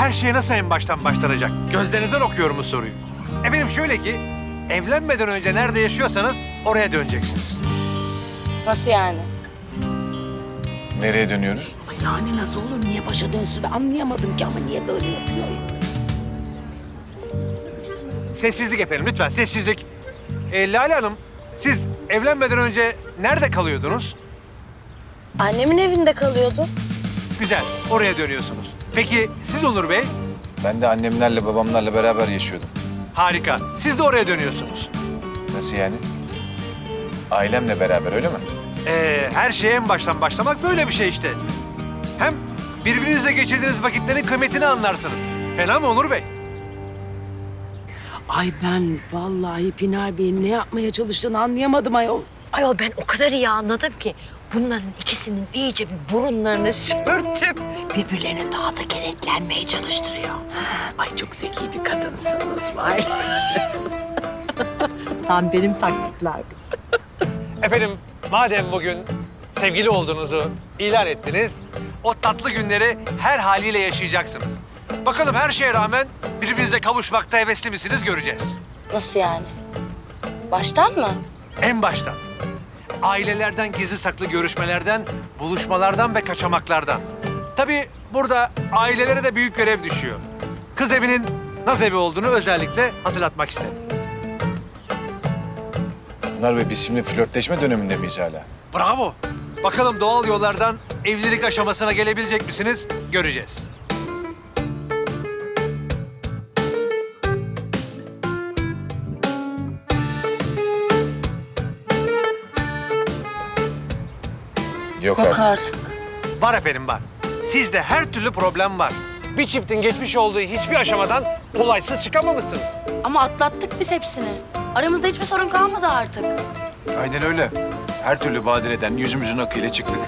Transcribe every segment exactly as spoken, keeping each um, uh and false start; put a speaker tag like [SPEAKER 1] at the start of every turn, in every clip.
[SPEAKER 1] her şey nasıl en baştan başlanacak? Gözlerinizden okuyorum bu soruyu. Efendim şöyle ki, evlenmeden önce nerede yaşıyorsanız oraya döneceksiniz.
[SPEAKER 2] Nasıl yani?
[SPEAKER 3] Nereye dönüyoruz?
[SPEAKER 4] Yani nasıl olur? Niye başa dönsün? Anlayamadım ki ama niye böyle yapıyor?
[SPEAKER 1] Sessizlik efendim, lütfen sessizlik. Ee, Lale Hanım, siz evlenmeden önce nerede kalıyordunuz?
[SPEAKER 2] Annemin evinde kalıyordu.
[SPEAKER 1] Güzel, oraya dönüyorsunuz. Peki siz Onur Bey?
[SPEAKER 3] Ben de annemlerle babamlarla beraber yaşıyordum.
[SPEAKER 1] Harika, siz de oraya dönüyorsunuz.
[SPEAKER 3] Nasıl yani? Ailemle beraber öyle mi?
[SPEAKER 1] Ee, her şeye en baştan başlamak böyle bir şey işte. Hem birbirinizle geçirdiğiniz vakitlerin kıymetini anlarsınız. Fena mı Onur Bey?
[SPEAKER 4] Ay ben vallahi Pinar Bey'in ne yapmaya çalıştığını anlayamadım ayol.
[SPEAKER 5] Ayol ben o kadar iyi anladım ki bunların ikisinin iyice bir burunlarını sürtüp
[SPEAKER 4] Birbirlerine daha da kenetlenmeye çalıştırıyor. Ay çok zeki bir kadınsınız vay. Tam benim taktikler kız.
[SPEAKER 1] Efendim, madem bugün sevgili olduğunuzu ilan ettiniz, o tatlı günleri her haliyle yaşayacaksınız. Bakalım her şeye rağmen birbirinizle kavuşmakta hevesli misiniz göreceğiz.
[SPEAKER 2] Nasıl yani? Baştan mı?
[SPEAKER 1] En baştan. Ailelerden gizli saklı görüşmelerden, buluşmalardan ve kaçamaklardan. Tabii burada ailelere de büyük görev düşüyor. Kız evinin naz evi olduğunu özellikle hatırlatmak istedim.
[SPEAKER 3] Pınar Bey biz şimdi flörtleşme döneminde miyiz hala?
[SPEAKER 1] Bravo. Bakalım doğal yollardan evlilik aşamasına gelebilecek misiniz? Göreceğiz.
[SPEAKER 3] Yok,
[SPEAKER 2] Yok
[SPEAKER 3] artık.
[SPEAKER 2] artık.
[SPEAKER 1] Var efendim var. Sizde her türlü problem var. Bir çiftin geçmiş olduğu hiçbir aşamadan kolaysız çıkamamışsınız.
[SPEAKER 2] Ama atlattık biz hepsini. Aramızda hiçbir sorun kalmadı artık.
[SPEAKER 3] Aynen öyle. Her türlü badireden yüzümüzün akıyla çıktık.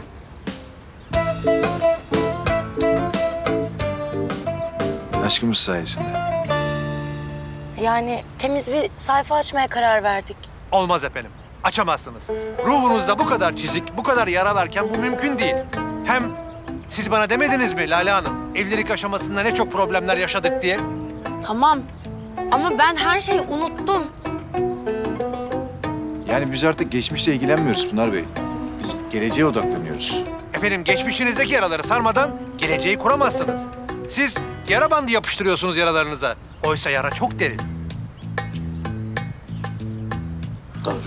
[SPEAKER 3] Aşkımız sayesinde.
[SPEAKER 2] Yani temiz bir sayfa açmaya karar verdik.
[SPEAKER 1] Olmaz efendim. Açamazsınız. Ruhunuzda bu kadar çizik, bu kadar yara varken bu mümkün değil. Hem siz bana demediniz mi Lale Hanım? Evlilik aşamasında ne çok problemler yaşadık diye.
[SPEAKER 2] Tamam. Ama ben her şeyi unuttum.
[SPEAKER 3] Yani biz artık geçmişle ilgilenmiyoruz Pınar Bey. Biz geleceğe odaklanıyoruz.
[SPEAKER 1] Efendim geçmişinizdeki yaraları sarmadan geleceği kuramazsınız. Siz yara bandı yapıştırıyorsunuz yaralarınıza. Oysa yara çok derin.
[SPEAKER 4] Doğru.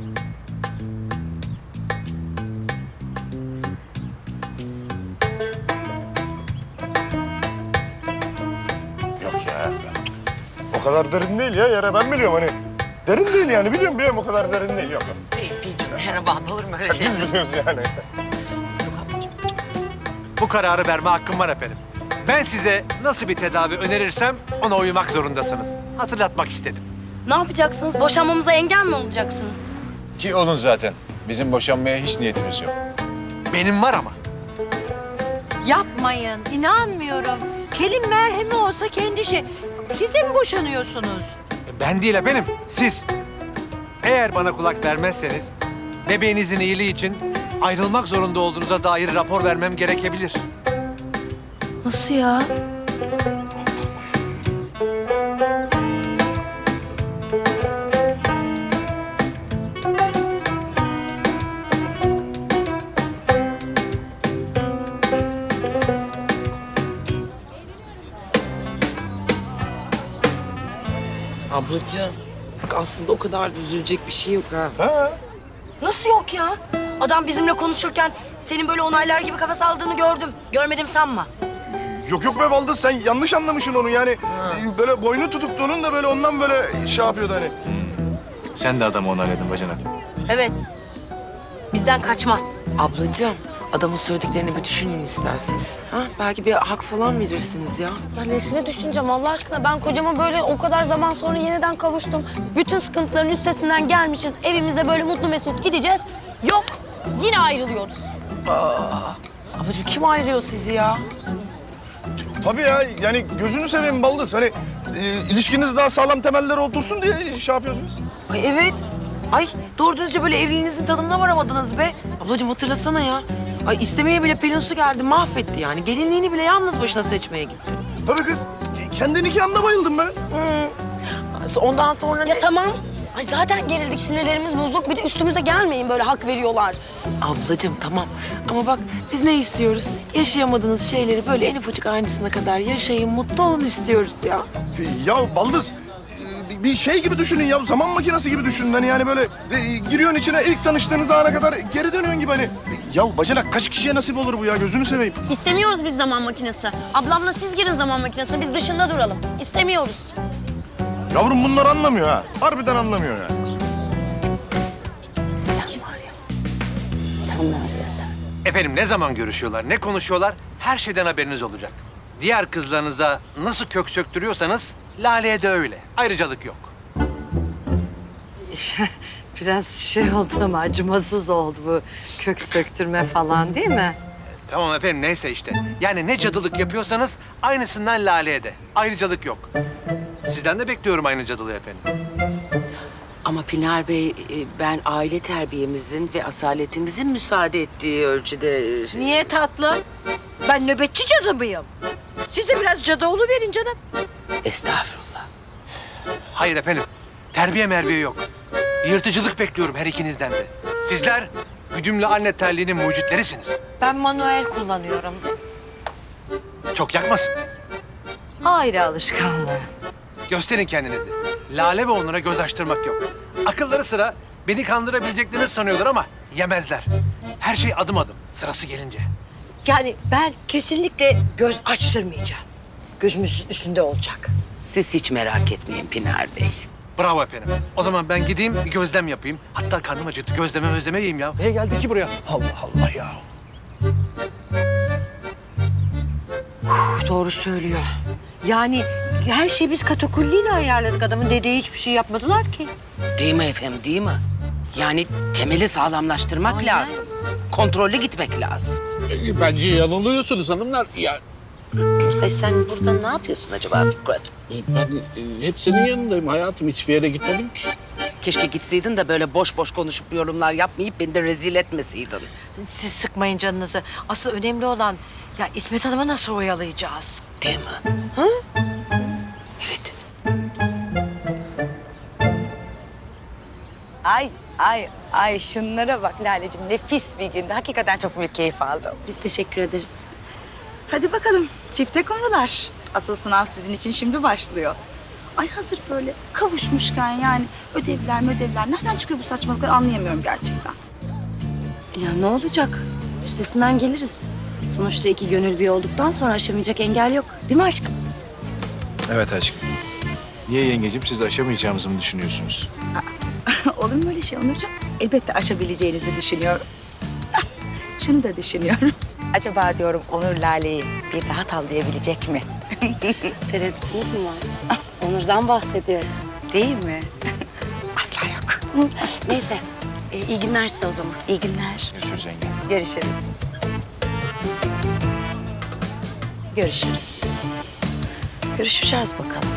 [SPEAKER 6] Yok ya. O kadar derin değil ya. Yara ben biliyorum hani. Derin değil yani. Biliyorum biliyorum o kadar derin değil. Yok.
[SPEAKER 5] merhaba olur mu öyle şey?
[SPEAKER 6] Biz biliyoruz yani.
[SPEAKER 1] Bu kararı verme hakkım var efendim. Ben size nasıl bir tedavi önerirsem ona uymak zorundasınız. Hatırlatmak istedim.
[SPEAKER 2] Ne yapacaksınız? Boşanmamıza engel mi olacaksınız?
[SPEAKER 3] Ki olun zaten. Bizim boşanmaya hiç niyetimiz yok.
[SPEAKER 1] Benim var ama.
[SPEAKER 7] Yapmayın, inanmıyorum. Kelin merhemi olsa kendi şey. Siz de mi boşanıyorsunuz?
[SPEAKER 1] Ben değil efendim, siz. Eğer bana kulak vermezseniz bebeğinizin iyiliği için ayrılmak zorunda olduğunuza dair rapor vermem gerekebilir.
[SPEAKER 2] Nasıl ya?
[SPEAKER 4] Ablacığım bak aslında o kadar da üzülecek bir şey yok ha.
[SPEAKER 6] Ha.
[SPEAKER 2] Nasıl yok ya? Adam bizimle konuşurken senin böyle onaylar gibi kafa salladığını gördüm. Görmedim sanma.
[SPEAKER 6] Yok yok be Baldız sen yanlış anlamışsın onu yani. Ee, Böyle boynu tutuktuğunun da böyle ondan böyle şey yapıyordu hani.
[SPEAKER 3] Sen de adamı onayladın bacanak.
[SPEAKER 2] Evet. Bizden kaçmaz.
[SPEAKER 4] Ablacığım adamın söylediklerini bir düşünün isterseniz. Ha? Belki bir hak falan verirsiniz ya.
[SPEAKER 2] Ya nesine düşüneceğim Allah aşkına? Ben kocama böyle o kadar zaman sonra yeniden kavuştum. Bütün sıkıntıların üstesinden gelmişiz. Evimize böyle mutlu mesut gideceğiz. Yok. Yine ayrılıyoruz.
[SPEAKER 4] Ablacığım kim ayırıyor sizi ya?
[SPEAKER 6] Tabii ya yani gözünü seveyim Baldız hani e, ilişkiniz daha sağlam temeller otursun diye şey yapıyoruz biz.
[SPEAKER 4] Ay evet. Ay doğru düzce böyle evliliğinizin tadına varamadınız be. Ablacığım hatırlasana ya. Ay istemeye bile Pelinsu geldi mahvetti yani. Gelinliğini bile yalnız başına seçmeye gitti.
[SPEAKER 6] Tabii kız. Kendi nikahımda bayıldım ben.
[SPEAKER 4] Ondan sonra
[SPEAKER 2] Ya
[SPEAKER 4] ne?
[SPEAKER 2] tamam. Ay zaten gerildik, sinirlerimiz bozuk. Bir de üstümüze gelmeyin, böyle hak veriyorlar.
[SPEAKER 4] Ablacığım tamam ama bak biz ne istiyoruz? Yaşayamadığınız şeyleri böyle en ufacık ayrıntısına kadar yaşayın, mutlu olun istiyoruz ya.
[SPEAKER 6] Ya Baldız, e, bir şey gibi düşünün ya, zaman makinesi gibi düşünün. Hani yani böyle e, giriyorsun içine ilk tanıştığınız ana kadar geri dönüyorsun gibi hani. Ya bacanak kaç kişiye nasip olur bu ya, gözünü seveyim.
[SPEAKER 2] İstemiyoruz biz zaman makinesi. Ablamla siz girin zaman makinesine, biz dışında duralım. İstemiyoruz.
[SPEAKER 6] Yavrum bunlar anlamıyor ha, harbiden anlamıyor ya.
[SPEAKER 2] Sen var ya, sen var ya sen.
[SPEAKER 1] Efendim ne zaman görüşüyorlar, ne konuşuyorlar her şeyden haberiniz olacak. Diğer kızlarınıza nasıl kök söktürüyorsanız Lale'ye de öyle. Ayrıcalık yok.
[SPEAKER 7] Biraz şey oldu ama acımasız oldu bu kök söktürme falan değil mi?
[SPEAKER 1] Tamam efendim neyse işte. Yani ne cadılık yapıyorsanız aynısından Lale'ye de. Ayrıcalık yok. Sizden de bekliyorum aynı cadılığı efendim.
[SPEAKER 4] Ama Pınar Bey, e, ben aile terbiyemizin ve asaletimizin müsaade ettiği ölçüde... e, şey-
[SPEAKER 7] Niye tatlım? Ben nöbetçi cadı mıyım? Siz de biraz cadı verin canım.
[SPEAKER 4] Estağfurullah.
[SPEAKER 1] Hayır efendim. Terbiye merbiye yok. Yırtıcılık bekliyorum her ikinizden de. Sizler güdümlü anne terliğinin mucitlerisiniz.
[SPEAKER 7] Ben manuel kullanıyorum.
[SPEAKER 1] Çok yakmasın.
[SPEAKER 7] Ayrı alışkanlığı.
[SPEAKER 1] Gösterin kendinizi. Lale ve onlara göz açtırmak yok. Akılları sıra beni kandırabileceklerini sanıyorlar ama yemezler. Her şey adım adım sırası gelince.
[SPEAKER 7] Yani ben kesinlikle göz açtırmayacağım. Gözümüz üstünde olacak.
[SPEAKER 4] Siz hiç merak etmeyin Pınar Bey.
[SPEAKER 1] Bravo efendim. O zaman ben gideyim bir gözlem yapayım. Hatta karnım acıktı. Gözleme özleme yiyeyim ya. Niye geldik ki buraya? Allah Allah ya.
[SPEAKER 7] Doğru söylüyor. Yani her şeyi biz katakulliyle ayarladık. Adamın dediği hiçbir şey yapmadılar ki.
[SPEAKER 8] Değil mi efendim, değil mi? Yani temeli sağlamlaştırmak
[SPEAKER 7] Aynen.
[SPEAKER 8] lazım. Kontrollü gitmek lazım.
[SPEAKER 9] E, Bence yanılıyorsunuz hanımlar. Ya
[SPEAKER 8] Ay sen burada ne yapıyorsun acaba Fikret?
[SPEAKER 9] e, ben e, hep senin yanındayım hayatım. Hiçbir yere gitmedim ki.
[SPEAKER 8] Keşke gitseydin de böyle boş boş konuşup yorumlar yapmayıp beni de rezil etmeseydin.
[SPEAKER 7] Siz sıkmayın canınızı. Asıl önemli olan ya İsmet Hanım'ı nasıl oyalayacağız?
[SPEAKER 8] Değil mi? Hı? Evet.
[SPEAKER 10] Ay ay ay şunlara bak Lale'cim, nefis bir gündü. Hakikaten çok büyük keyif aldım.
[SPEAKER 2] Biz teşekkür ederiz.
[SPEAKER 10] Hadi bakalım çifte kumrular. Asıl sınav sizin için şimdi başlıyor. Ay hazır böyle kavuşmuşken yani ödevler ödevler nereden çıkıyor bu saçmalıklar anlayamıyorum gerçekten.
[SPEAKER 2] Ya ne olacak? Üstesinden geliriz. Sonuçta iki gönül bir olduktan sonra aşamayacak engel yok. Değil mi aşkım?
[SPEAKER 3] Evet aşkım. Niye yengecim, siz aşamayacağımızı mı düşünüyorsunuz?
[SPEAKER 10] Olur mu öyle şey Onurcuğum? Elbette aşabileceğinizi düşünüyorum. Ah, şunu da düşünüyorum. Acaba diyorum Onur Lale'yi bir daha tavlayabilecek mi?
[SPEAKER 2] Tereddütünüz mü var? Onur'dan bahsediyorum.
[SPEAKER 10] Değil mi? Asla yok.
[SPEAKER 2] Neyse. E, iyi günler size o zaman.
[SPEAKER 10] İyi günler.
[SPEAKER 3] Görüşürüz yenge.
[SPEAKER 10] Görüşürüz. Görüşürüz. Görüşeceğiz bakalım.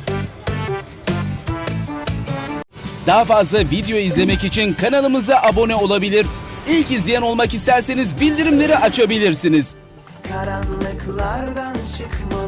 [SPEAKER 11] Daha fazla video izlemek için kanalımıza abone olabilir. İlk izleyen olmak isterseniz bildirimleri açabilirsiniz.
[SPEAKER 12] Karanlıklardan çıkmalı